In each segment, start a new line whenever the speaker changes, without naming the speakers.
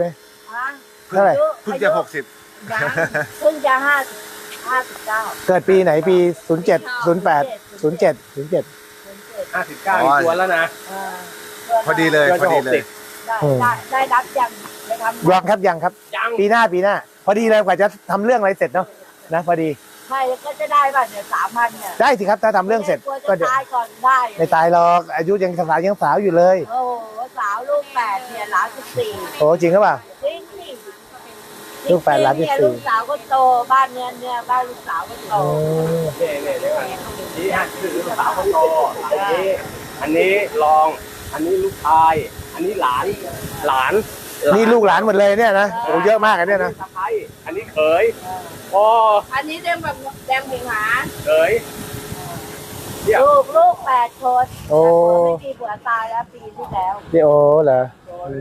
ไหม
ฮะ
เท่าไหร่
เพิ่งจะ60
ยังเพิ่งจะ59
เกิดปีไหนปี07 08 07 07
59อีกตัวแล้วนะ
พอดีเลยพอดีเลย
ได้รับยังไปทำ
ยังครับยังครับ
ยัง
ปีหน้าพอดีเลยกว่าจะทำเรื่องอะไรเสร็จเนาะนะพอดี
ใช่ก็จะได้ป่ะเนี่ย3,000เนี่ย
ได้สิครับถ้าทำเรื่องเสร็จ
ก็
ก็
จะ
เดี๋ยว
ตายก่อนได้
ไม่ตายหรอกอายุยังสาวอยู่เลย
โอ้โหสาวลูก8เนี่ยหลาน14
โอ้จริงหรือเปล่า
จริงสิ
ลูก8หลาน14
เนี่ยลูกสาวก็โตบ้านเนี่ยบ้านลูกสาวก็โต
เนี่ยเดี๋ยวก่อนนี่ฮะคือลูกสาวคนโตอันนี้รองอันนี้ลูกชายอันนี้หลาน
นี่ลูกหลานหมดเลยเนี่ยนะโอ้เยอะมากอันเนี่ยนะ
สะใภ้อันนี้เขยพ่อ
อันนี้แดงแบบแดงผิงหา
เขย
ลูก8 คน
โอ้
ไม่มีผัวตายแล้วปีที่แล้ว
พี่โอเหรอ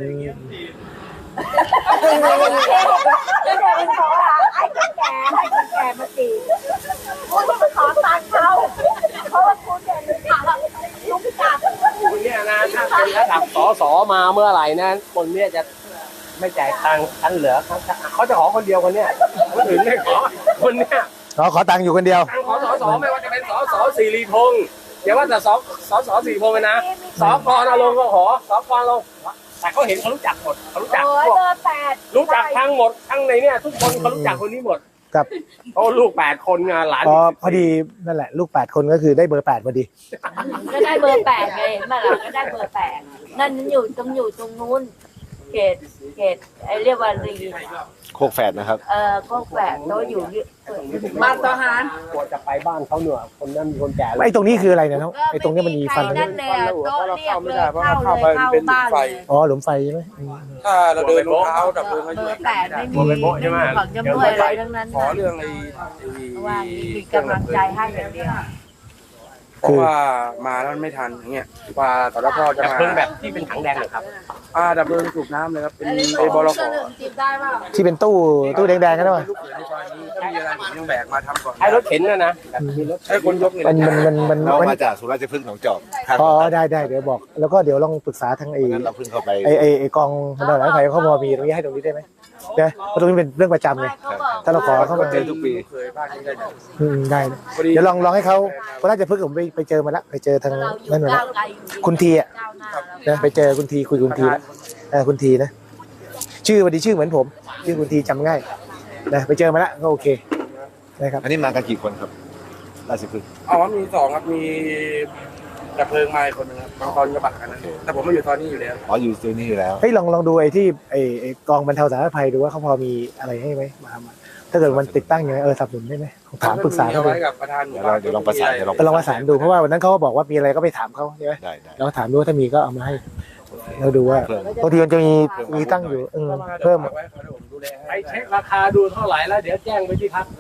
ไม่ได้เป็นเพราะว่าไอ้คนแก่มาตีคุณไปขอตังค์เขาเพราะว่าคุณเนี่ยลุกจับ
คุณเนี่ยนะถ้าเป็นระดับสสมาเมื่อไหร่นะคนเนี่ยจะไม่จ่ายตังค์อันเหลือเขาจะขอคนเดียวคนเนี้ยคนอื่นไม่ขอคนเนี้ย
ขอตังค์อยู่คนเดียว
ตังค์ขอสสไม่ว่าจะเป็นสสสิริพงษ์อย่าว่าแต่สสสิริพงษ์เลยนะสกนรงค์ก็ขอสกนรงค์แต่เขาเห็นเขารู้จักหมดเขารู้จัก
โอ้ย
พวก
เบอร์8
รู้จักทั้งหมดทั้งในเนี่ยทุกคนเขารู้จักคนนี้หมด
ครับ
เพราะลูก8 คนไงหลาน
พอดีนั่นแหละลูก8 คนก็คือได้เบอร์8พอดี
ก็ได้เบอร์8ไงเมื่อไหร่ก็ได้เบอร์8นั่นอยู่ตรงนู้นเขตไอ้เรียกว่ารี
โคกแฝดนะครับ
ก็แฝดโตอยู่
บ้านทหาร
กลัวจะไปบ้านเขาเหนือคนนั้นมีคนแก่
ไอ้ตรงนี้คืออะไรเนี่ยน้องไอ้ตรงนี้มันมีฟัน
นั่นเลยโต๊ะเรียกเลยเข้าบ้านเลย
อ๋อหลุมไฟใช่ไหม
ถ้าเราเดินรองเท้าดับเพลิงเขาอ
เบ
ยู่
อร์8ไม่มีของจำนวนอะไรทั้งนั้น
ขอเรื่องไอ้
ว่ามีกำลังใจให้อย่างเดียว
เพราะว่ามาแล้วไม่ทันอย่างเงี้ยว่าตอนแรกพ่อจะ
ดับ
มา
เพลิงแบบที่เป็นถังแดงเหรอครับ
ดับเพลิงสูบน้ำเลยครับเป็นไอ้บลข
จิบได้ป่ะ
ที่เป็นตู้แดงๆกันด้วย
ลูกเขยในซอยนี้ถ้ามีอะไรผมยังแบกมาทำก่อน
ไอ้รถเข็นนะแบบมีรถ
ใช้คนยกเนี่ย
มัน
เรามาจากสุราษฎร์พฤกษ์หนองจอกทาง
อ๋อได้เดี๋ยวบอก แล้วก็เดี๋ยวลองปรึกษาทางไอ้
นั้นเราเพิ่งเข้าไป
ไอ้กองพนักงานไฟเขาพอมีตรงนี้ให้ตรงนี้ได้ไหมนะเพราะตรงนี้เป็นเรื่องประจำไงถ้าเราขอเข้ามา
เจอทุกปี
ลูกเขยบ้านนี้ได้
ได้เดี๋ยวลองให้เขาเพราะน่าจะพึ่งผมไปเจอมาแล้วไปเจอทางนั่นมาแล้วคุณทีอ่ะนะไปเจอคุณทีคุยกับคุณทีแล้วคุณทีนะชื่อวันดีชื่อเหมือนผมชื่อคุณทีจำง่ายนะไปเจอมาแล้วก็โอเคนะครับ
อันนี้มากันกี่คนครับราชพฤกษ์
มีสองครับมีดับเพลิงมาอีกคนนึงครับบางตอนกระบะกันนั้นแต่ผมไม่อยู่ตอนนี้อยู่แล้ว
อ๋ออยู่ตัวนี้อยู่แล้ว
เฮ้ยลองดูไอ้ที่ไอ้กองบรรเทาสาธารณภัยดูว่าเขาพอมีอะไรให้ไหมมาถ้าเกิดมันติดตั้งอย่างไรสนับสนุนได้ไหมถามปรึกษาเขา
เอา
ดู
ไว้กับประธานหมู่บ้าน
เดี๋ยวลองประสาน
ไปลองประสานดูเพราะว่าวันนั้นเขาก็บอกว่ามีอะไรก็ไปถามเขาใช่ไหม
ได้
เราถามดูว่าถ้ามีก็เอามาให้เราดูว่า
เพิ่ม
บางทีมันจะมีตั้งอยู่เพิ่ม
ไว้เขาเดี๋ยวผมดูแล
ไป
ให้
เช็คราคาดูเท่าไหร่แล้วเดี๋ยวแจ้งไปที่พัก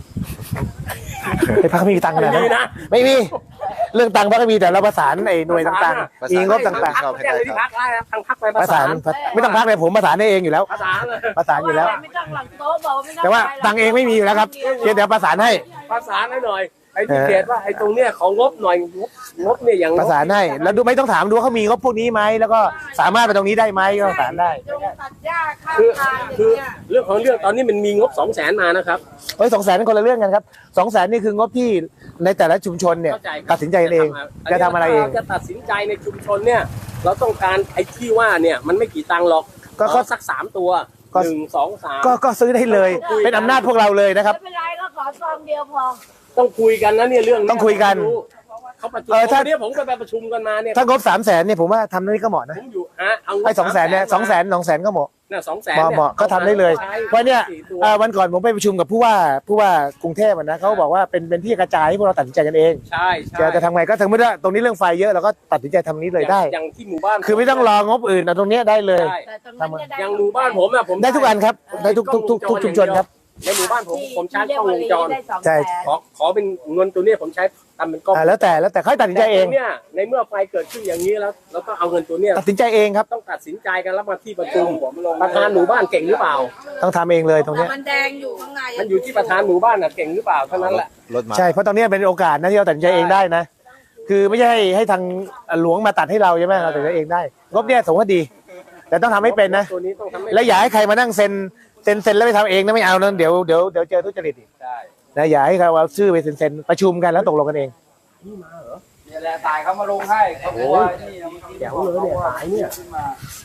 ไอ้พักมีตังค์ขนาดนั้น
มีนะ
ไม่มีเรื่องตังค์พักก็มีแต่เราประสานไอ้หน่วยต่างๆมีงบต่าง
พักแจ้งไปที่พักได้ทางพักไป
ๆประสานไม่ต้องพักเลยผมประสานได้เองอยู่แล้ว
ประสานเลย
ประสานอยู่แล้ว
ไม่ต้องหลังโต๊ะบอกไม่ต้อง
แต่ว่าตังค์เองไม่มีอยู่แล้วครับเดี๋ยวประสานให้
ประสานให้หน่อยไอ้ที่เขตว่าไอ้ตรงเนี้ยของงบหน่อยงบเนี่ยอย่าง
ประสานให้แล้วดูไม่ต้องถามดูว่าเขามีงบพวกนี้ไหมแล้วก็สามารถไปตรงนี้ได้ไหมก็ประสานได้
จงตัดหญ้าข้าง
คือ
ทางอย่าง
คือ
เงี้ย
เรื่องของเรื่องตอนนี้มันมีงบ200,000มานะครับ
200,000เป็นคนละเรื่องกันครับ200,000นี่คืองบที่ในแต่ละชุมชนเนี่ย
เข้าใจครับ
ตัดสินใจเองจะทำอะไรเอง
เราจะตัดสินใจในชุมชนเนี่ยเราต้องการไอ้ที่ว่าเนี่ยมันไม่กี่ตังค์หรอก
ก็
ขอสัก3 ตัว
ก็
1 2 3
ก็ซื้อได้เลยเป็นอำนาจพวกเราเลยนะครับ
ไม่เป็นไรก็ขอซองเดียวพอ
ต้องคุยกันนะเนี่ยเรื่องนี้
ต้องคุยกัน
เขาประชุม
ถ้า
วันนี้ผมก็ไปประชุมกันมาเนี่ย
ถ้างบ300,000เนี่ยผมว่าทำนี่ก็เหมาะนะ
ผมอยู่เอา
ไอ้200,000เนี่ย200,000ก็เหมาะ
เนี่ย200,000
เหมาะก็ทำได้เลยเพราะเนี่ยวันก่อนผมไปประชุมกับผู้ว่ากรุงเทพนะเขาบอกว่าเป็นที่กระจายให้พวกเราตัดสินใจกันเอง
ใช่ใช่
จะทำไงก็ถึงไม่ได้ตรงนี้เรื่องไฟเยอะเราก็ตัดสินใจทำนี้เลยได้
อย่างที่หมู่บ้าน
คือไม่ต้องรองบอื่นเอาตรงเนี้ยได้เลย
ใช่
แต่ตรงนั้นจะได้
อย่างหมู่บ้านผมอะผม
ได้ทุกอันครับได้ทุกชุมชนครับ
ในหมู่บ้านผมใช้กล้องวงจร
ได้200,000
ใช่
ขอเป็นเงินตัวเนี้ยผมใช้ทำเป็นกล้อง
แล้วแต่เขาตัดสินใจเอง
แต่ตัวเนี่ยในเมื่อไฟเกิดขึ้นอย่างนี้แล้วก็เอาเงินตัวเนี้ย
ตัดสินใจเองครับ
ต้องตัดสินใจกันแล้วมาที่ประชุมประธานหมู่บ้านเก่งหรือเปล่า
ต้องทำเองเลยตรงเนี้ย
มันแดงอยู่ข้างใน
มันอยู่ที่ประธานหมู่บ้านน่ะเก่งหรือเปล่าเท่านั้นแหละ
รถมา
ใช่เพราะตรงเนี้ยเป็นโอกาสนะที่เราตัดสินใจเองได้นะ คือไม่ใช่ให้ทางหลวงมาตัดให้เราใช่ไหมเราตัดสินใจเองได้งบเนี่ยสมว่าดีแต่ต้องทำให้เป็นนะ
ตัวนี้ต้องทำให้
แล้วอย่าให้ใครมานั่งเซ็นแล้วไปทำเองนะไม่เอานะเดี๋ยวเจอทุจริตอีก
ใช่
นะอย่าให้เขาเอาชื่อไปเซ็นประชุมกันแล้วตกลงกันเอง
นี่แหละตายเขามาลงให้เขาบอกว่านี่นะมัน
เดี๋ยวเลยเนี่ยหายเนี่ย
ขึ้นมา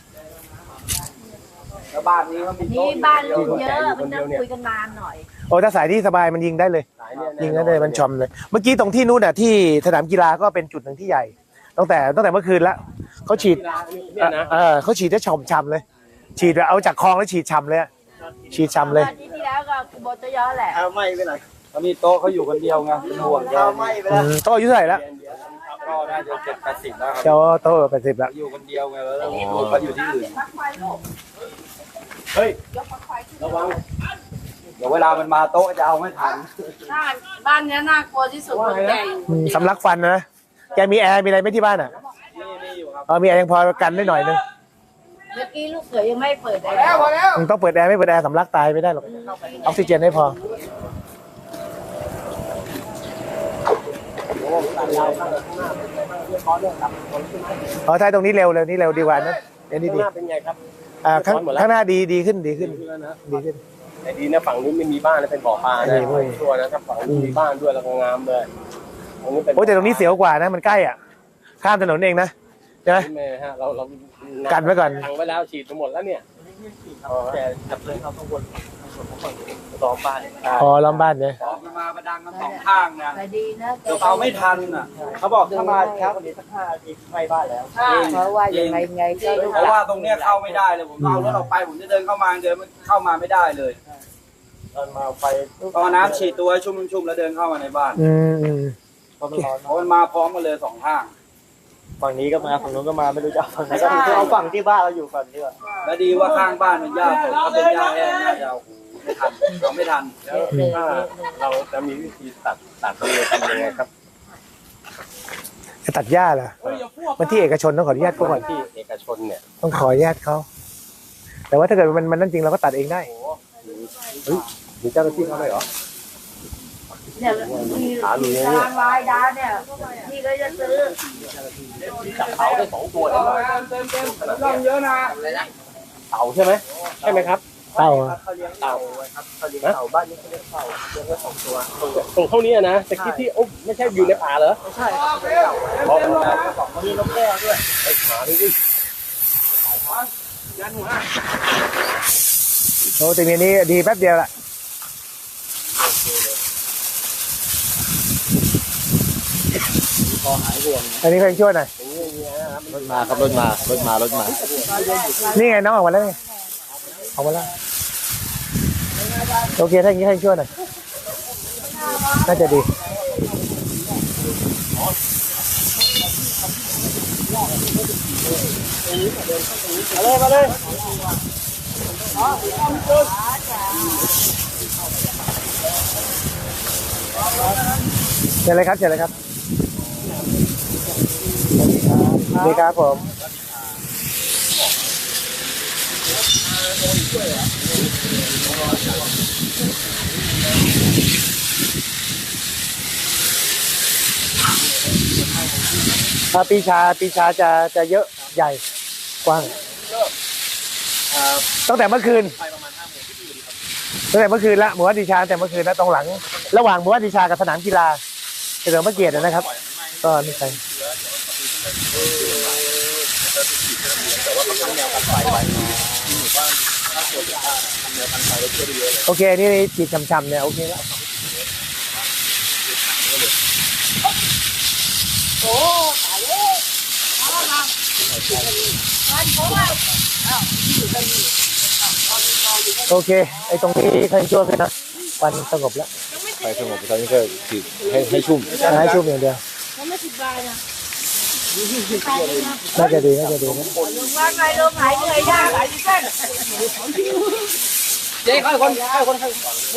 แล้วบ้านนี้เขามี
นี่
โต๊ะ
บ้านลูกเยอะมันนั่งคุยกันนานหน่อย
โอ้ถ้าสายที่สบายมันยิงได้เลย
หายเนี่ย
ยิงได้เลยมันชอมเลย เมื่อกี้ตรงที่นู้นน่ะที่สนามกีฬาก็เป็นจุดหนึ่งที่ใหญ่ตั้งแต่เมื่อคืนแล้วเขาฉีด
เนี่ยนะ
เขาฉีดได้ฉ่ำเลย ฉีดแบบเอาจากคลองแล้วฉีดฉ่ำเลยอะฉีดฉ่ำเลย
อาทิตย์ที่แล้วก็โบตยอแหละ
ไม่ไปไหนเขามีโต๊ะเขาอยู่คนเดียวไงเป็นห่วงแกไม่ไป
โตอายุเท่าไหร่แล้ว
ก็น่าจะ70-80แล้วครับ
เจ้าโต80แล้ว
อยู่คนเดียวไงแล้วเขาอยู่ที่อื่น
เฮ้ยระวัง
เดี๋ยวเวลามันมาโต๊ะจะเอาไม่ทัน
บ้านนี้น่ากลัวที่สุดคนแก่อยู่
สำลักฟันนะแกมีแอร์มีอะไรไหมที่บ้านอ่ะ
นี่อยู่ครับ
มีแอร์ยังพอกันได้หน่อยนึง
เมื่อกี้ลูกเขยยังไม่เปิดแอร์
แล้วพอแล้ว
มึงต้องเปิดแอร์ไม่เปิดแอร์สำลักตายไม่ได้หรอกออกซิเจนให้พอท้ายตรงนี้เร็วนี่เร็วดีกว่านะเดี๋ยวนี้
ข้าง
ดี
หน้าเป็นไงครับ
ข้างหน้าดีขึ้น
ดีขึ้นแต่ดีนะฝั่งนู้นไม่มีบ้านนะเป็นบ่อปลานะชัวร์นะถ้าฝั่งนู้นมีบ้านด้วยแล้วก็งามเลยตรงนี้เป็น
โอ้แต่ตรงนี้เสียวกว่านะมันใกล้อ่ะข้ามถนนเองนะใช่ไหม
แม่ฮะเรา
กันไว้ก่อน
ทางไว้แล้วฉีดไปหมดแล้วเนี่ยแต่ดับเพลิงเขาต้องวนต่อไป
พอล้อมบ้านเนี่ย
มันมาประดังกันสองข้างนะ
แต่ดีนะ
เดี๋ยวเอาไม่ทันอ่ะเขาบอกถ้ามาครับวันนี้สัก5 นาทีใกล้บ้านแล้ว
เพราะว่ายังไงก็ลูก
เพราะว่าตรงเนี้ยเข้าไม่ได้เลยผมเอารถออกไปผมจะเดินเข้ามาเดินเข้ามาไม่ได้เลย
ตอนมาไฟ
ตอนน้ำฉีดตัวให้ชุ่มๆแล้วเดินเข้ามาในบ้าน
เพราะมันร้อน
เพราะมันมาพร้อมกันเลยสองข้าง
ฝั่งนี้ก็มาฝั่งนู้นก็มาไม่รู้จะเอาฝั่งไหนก็เอาฝั่งที่บ้านเราอยู่ฝั่งนี้ก่อน
และดีว่าข้างบ้านมันหญ้าสดถ้าเป็นหญ้าแห้งน่าจะเอาไม่ทันเราไม่ทัน
ถ้าเราจะมีวิธีตัดเลยทำยังไงครับ
จะตัดหญ้าเหรอมันที่เอกชนต้องขออนุญาตเขาก่อน
ที่เอกชนเนี่ย
ต้องขออนุญาตเขาแต่ว่าถ้าเกิดมันนั่นจริงเราก็ตัดเองได้
มีเจ้าหน้าที่เขาไหมเหรอ
เนี่ยมีทางลายดาเนี่ยพี่ก็จะซื้อ
จับเต่าได้2 ตัวเลย
ร่องเยอะนะ
เต่าใช่ไหมครับ
เต้า
เต่าเต่าบ้านนี้เขาเรียกเต่าเลี้ยงไว้2 ตัวตรงเท่านี้นะแต่คิดที่ไม่ใช่อยู่ในป่าเหรอไม่ใช่บอกนะมีนกแก้วด้วยไอ้หมานี่ดิ
โอ้แต่เมียนี้ดีแป๊บเดียวละอันนี้ใครช่วยหน่อย
รถมาครับรถมา
นี่ไงน้องออกมาแล้วไงออกมาแล้วโอเคถ้าอย่างนี้ใครช่วยหน่อยน่าจะดีมาเลยเชิญเลยครับสวัสดีครับผมปีชาจะเยอะใหญ่กว้างตั้งแต่เมื่อคืนละหมู่บ้านปีชาแต่เมื่อคืนแล้วตรงหลัง ระหว่างหมู่บ้านปีชากับสนามกีฬาเฉลิมพระเกียรตินะครับ ก็นี่ใครโอเคนี่ฉีดช้ำๆเนี่ยโอเคแล้วโอเคไอ้ตรงนี้ใครช่วยกันนะวันสงบแล้ว
ไปสงบตอนนี้ก็ฉีดให้ชุ่ม
ให้ชุ่มอย่างเดียวน่าจะดีนะ
ลุงว่าไงลุงหายเหนื่อยยากหายเส้น
เจ๊คนไว้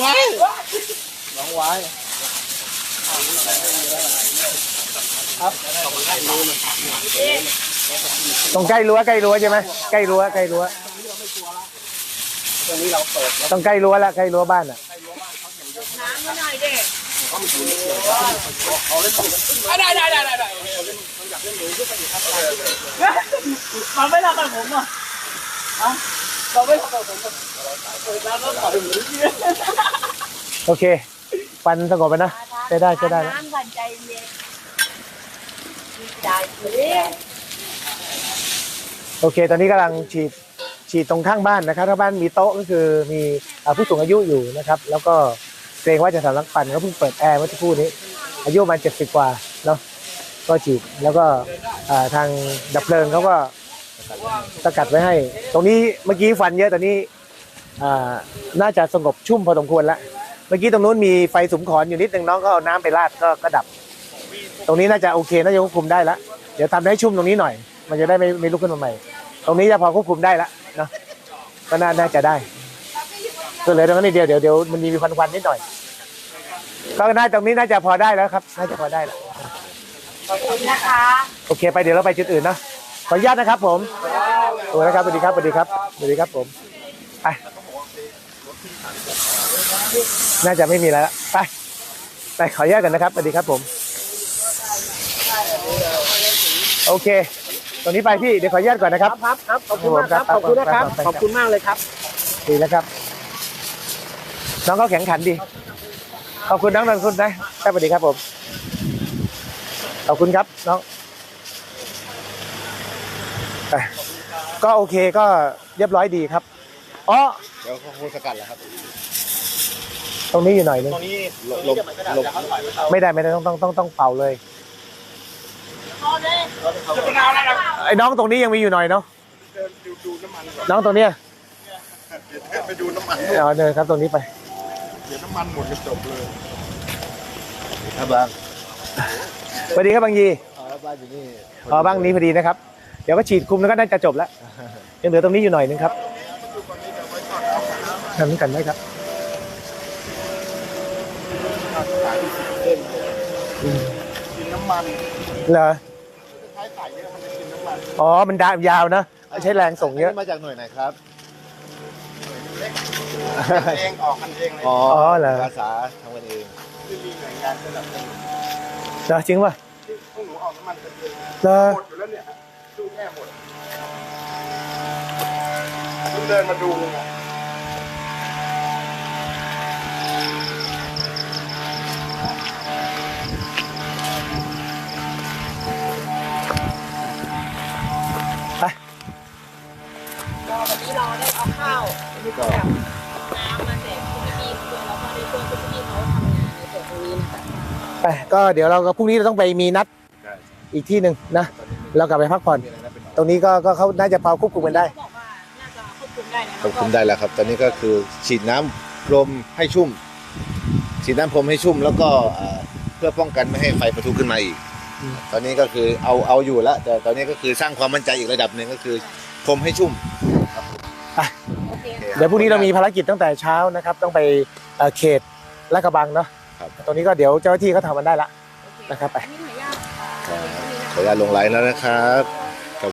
ตรงใกล้รั้วใช่ไหมใกล้รั้วต้องใกล้รั้วละใกล้รั้วบ้านอ่ะ
น้ำมาหน่อยเด็ก
ได้
มันไม่รับกับผมอ่ะ
เราไม่ทำแบบผมเปิดร้านแล้วต่อยเหมือนที่
โอเคฟันสงบไปนะใช้ได้ใช้ได้นะ
น้ำกันใจเย็นใจเย็น
โอเค ตอนนี้กำลังฉีดตรงข้างบ้านนะครับถ้าบ้านมีโต๊ะก็คือมีผู้สูงอายุอยู่นะครับแล้วก็เกรงว่าจะสำลักควันเขาเพิ่งเปิดแอร์เมื่อสักครู่นี้อายุประมาณ70กว่าเนาะก็ฉีดแล้วก็ทางดับเพลิงเขาก็สกัดไว้ให้ ตรงนี้เมื่อกี้ฟันเยอะตอนนี้น่าจะสงบชุ่มพอสมควรแล้วเมื่อกี้ตรงนู้นมีไฟสุมขอนอยู่นิดนึงน้องก็เอาน้ำไปราดก็ดับ ตรงนี้น่าจะโอเคน่าจะควบคุมได้แล้วเดี๋ยวทำให้ชุ่มตรงนี้หน่อยมันจะได้ไม่ลุกขึ้นมาใหม่ตรงนี้จะพอควบคุมได้แล้วเนาะก็น่าจะได้ก็เหลือตรงนั้นนิดเดียวเดี๋ยวมันมีควันนิดหน่อยก็น่าตรงนี้น่าจะพอได้แล้วครับน่าจะพอได้แล้ว
ขอบคุณนะคะ
โอเคไปเดี๋ยวเราไปจุดอื่นเนาะขออนุญาตนะครับผมสวัสดีครับสวัสดีครับสวัสดีครับสวัสดีครับผมไปน่าจะไม่มีแล้วไปขออนุญาตกันนะครับสวัสดีครับผมโอเคตรงนี้ไปพี่เดี๋ยวขออนุญาตก่อนนะครับ
ครับขอบคุณมากครับขอบคุณนะครับขอบคุณมากเลยครับ
ดีแล้วครับน้องเขาแข็งขันดีขอบคุณน้องนันคุณนะครับสวัสดีครับผมขอบคุณครับน้องก็โอเคก็เรียบร้อยดีครับอ๋อ
เดี๋ยวเขาคงสกัดแล้วครับ
ตรงนี้อยู่หน่อยนึง
ตรงนี้
ลม
ไม่ได้ต้องเป่าเลยไอ้น้องตรงนี้ยังมีอยู่หน่อยเนาะน้องตรงเนี้ย
ไปดูน้ำมัน
เอาเดินครับตรงนี้ไป
เดี๋ยวน้ำมันหมดจะจบเลยครับบาง
สวัสดีครับบางยี
บ้านอยู่นี่
บ้างนี้พอดีนะครับเดี๋ยวก็ฉีดคุมแล้วก็น่าจะจบแล้วยังเหลือตรงนี้อยู่หน่อยนึงครับทำนี้กันได้ครับ
กินน้ำมัน
เหรอ
ท้ายไก่เนี่ยมันจะกินน้ำมัน
อ๋อมันดายาวนะใช้แรงส่งเยอะ
มาจากหน่วยไหนครับ
เองออกกันเองเลย
อ๋อ
เหรอ
อาสาทำกันเอง
ที่มีหน่วยงานสนับสนุน
เหรอจริงป่ะ
ที่พวกหนูออกน้ำมันกันเอง
เหรอ
หมดอยู่แล้วเนี่ยดูแค่หมดเพิ่งเดินมาดูเลยนะ
ไป
วันนี้เราได้เอาข้าว
อันนี้ก็
น้ำมาแจกคุณพี่ด้วยแล้วก็ได้ช่วยคุณพี่เขาทำงานในส่วนตรงนี้นะคะ
ไปก็เดี๋ยวเราก็พรุ่งนี้เราต้องไปมีนัดอีกที่หนึ่งนะเรากลับไปพักผ่อน ตรงนี้ก็เขาน่าจะพอควบคุมกันได้
เขาบอกว่าน่าจะควบคุมได้นะ
ควบคุมได้แล้วครับ ตอนนี้ก็คือฉีดน้ำพรมให้ชุ่ม ฉีดน้ำพรมให้ชุ่มแล้วก็เพื่อป้องกันไม่ให้ไฟปะทุขึ้นมาอีก ตอนนี้ก็คือเอาอยู่แล้ว แต่ตอนนี้ก็คือสร้างความมั่นใจอีกระดับหนึ่งก็คือพรมให้ชุ่ม
โอเค
เดี๋ยวพรุ่งนี้เรามีภารกิจตั้งแต่เช้านะครับต้องไปเขตลาดกระบังเนาะ
ครับ
ตรงนี้ก็เดี๋ยวเจ้าหน้าที่เขาทำมันได้ละนะครับไป
อันนี้หน่วยยาก
ขออนุญาตลงไลน์แล้วนะครับ
ข